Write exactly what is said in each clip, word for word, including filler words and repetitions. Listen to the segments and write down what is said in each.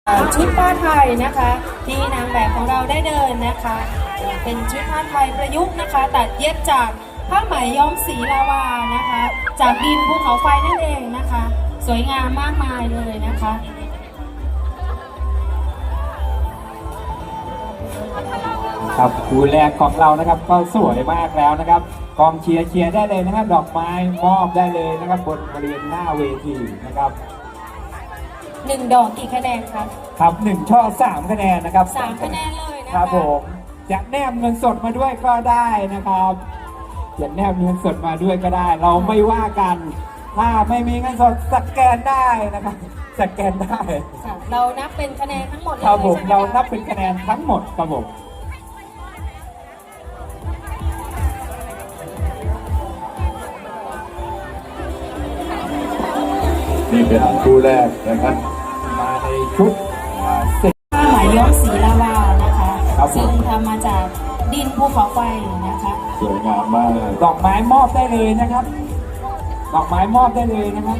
ชุดผ้าไทยนะคะที่นางแบบของเราได้เดินนะคะเป็นชุดผ้าไทยประยุกต์นะคะตัดเย็บจากผ้าไหมย้อมสีลาวานะคะจากดินภูเขาไฟนั่นเองนะคะสวยงามมากมายเลยนะคะครับคู่แรกของเรานะครับก็สวยมากแล้วนะครับกองเชียร์เชียร์ได้เลยนะครับดอกไม้มอบได้เลยนะครับบนบริเวณหน้าเวทีนะครับหนึ่งดอกกี่คะแนนครับครับหนึ่งช่อสามคะแนนนะครับสามคะแนนเลยนะคะครับผมจะแนบเงินสดมาด้วยก็ได้นะครับจะแนบเงินสดมาด้วยก็ได้ เราไม่ว่ากันถ้าไม่มีเงินสดสแกนได้นะครับสแกนได้เรานับเป็นคะแนนทั้งหมดเลยครับผมเรานับเป็นคะแนนทั้งหมดครับผมนี่เป็นคู่แรกนะครับมาในชุดสีผ้าไหมย้อมสีลาวานะคะซึ่งทำมาจากดินภูเขาไฟนะคะสวยงามมากดอกไม้มอบได้เลยนะครับดอกไม้มอบได้เลยนะครับ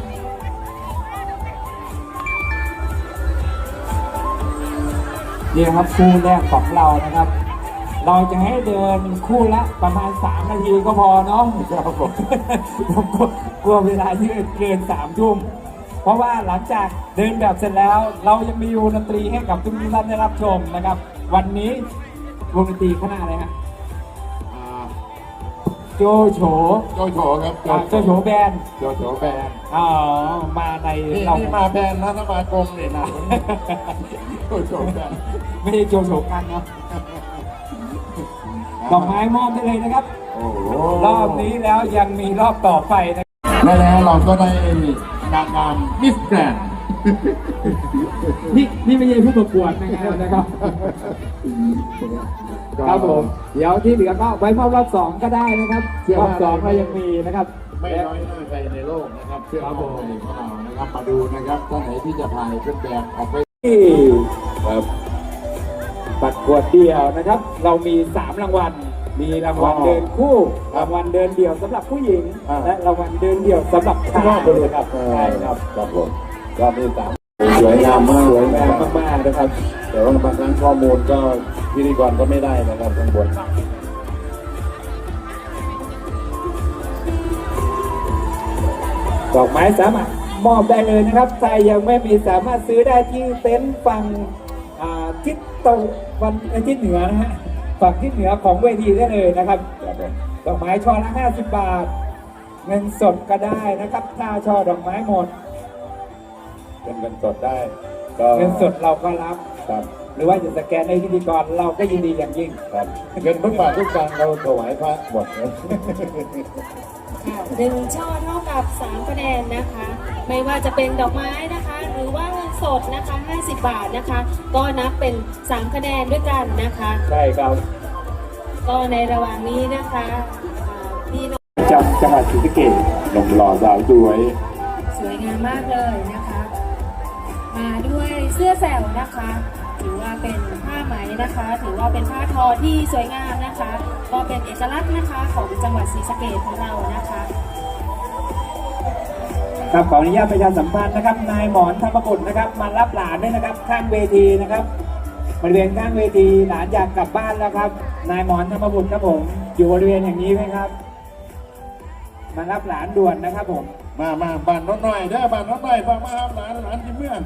นี่ครับคู่แรกของเรานะครับเราจะให้เดินคู่ละประมาณสามนาทีก็พอเนาะครับผมผมกลัวเวลาที่เกินสามทุ่มเพราะว่าหลังจากเดินแบบเสร็จแล้วเรายังมีวงดนตรีให้กับทุกท่านได้รับชมนะครับวันนี้วงดนตรีคณะอะไรฮะโจโฉโจโฉครับโจโฉแบนด์โจโฉแบนด์อ๋อมาในเรามาแบนด์นะถ้ามากรมเนี่ยนะโจโฉแบนด์ไม่ใช่โจโฉกันเนาะดอกไม้มอบได้เลยนะครับรอบนี้แล้วยังมีรอบต่อไปนะและแล้วเราก็ได้นางงามมิสแกรนด์นี่นี่ไม่ใช่ผู้ประกวดนะครับนะครับครับผมเดี๋ยวที่เหลือก็ไว้มอบรอบสองก็ได้นะครับรอบสองก็ยังมีนะครับไม่น้อยหน้าใครในโลกนะครับเชื่อเราของเรานะครับมาดูนะครับท่านไหนที่จะถ่ายเป็นแบบออกไปที่ประกวดเดี่ยวนะครับเรามีสามรางวัลมีรางวัลเดินคู่รางวัลเดินเดี่ยวสำหรับผู้หญิงและรางวัลเดินเดี่ยวสำหรับชายนะครับใช่ครับครับผมก็มีสามสวยงามมากสวยงามมากๆนะครับแต่ว่าบางครั้งข้อมูลก็พิธีกรก็ไม่ได้นะครับข้างบนดอกไม้สามารถมอบได้เลยนะครับใครยังไม่มีสามารถซื้อได้ที่เต็นท์ฝั่งทิศตะวันทิศเหนือนะฮะฝั่งทิศเหนือของเวทีได้เลยนะครับดอกไม้ช่อละห้าสิบบาทเงินสดก็ได้นะครับถ้าช่อดอกไม้หมดเป็นเงินสดได้ก็เงินสดเราก็รับครับหรือว่าจะสแกนในพิธีกรเราก็ยินดีอย่างยิ่งครับเงินทุกบาททุกสตางค์เราถวายพระหมดเลยหนึ่งช่อเท่ากับสามคะแนนนะคะไม่ว่าจะเป็นดอกไม้นะคะหรือว่าเงินสดนะคะห้าสิบบาทนะคะก็นับเป็นสามคะแนนด้วยกันนะคะใช่ครับก็ในระหว่างนี้นะคะพี่น้องจังจังหวัดศรีสะเกษหนุ่มหล่อสาวสวยสวยงามมากเลยนะคะมาด้วยเสื้อแสวนะคะถือว่าเป็นผ้าไหมนะคะถือว่าเป็นผ้าทอที่สวยงามนะคะก็เป็นเอกลักษณ์นะคะของจังหวัดศรีสะเกษของเรานะคะครับขออนุญาตประชาสัมพันธ์นะครับนายหมอนธรรมบุตรนะครับมารับหลานด้วยนะครับข้างเวทีนะครับบริเวณข้างเวทีหลานอยากกลับบ้านแล้วครับนายหมอนธรรมบุตรครับผมอยู่บริเวณอย่างนี้ไหมครับมารับหลานด่วนนะครับผมมามาบ้านน้องหน่อยเด้อบ้านน้องหน่อยฟังมาครับหลานหลานที่เมือง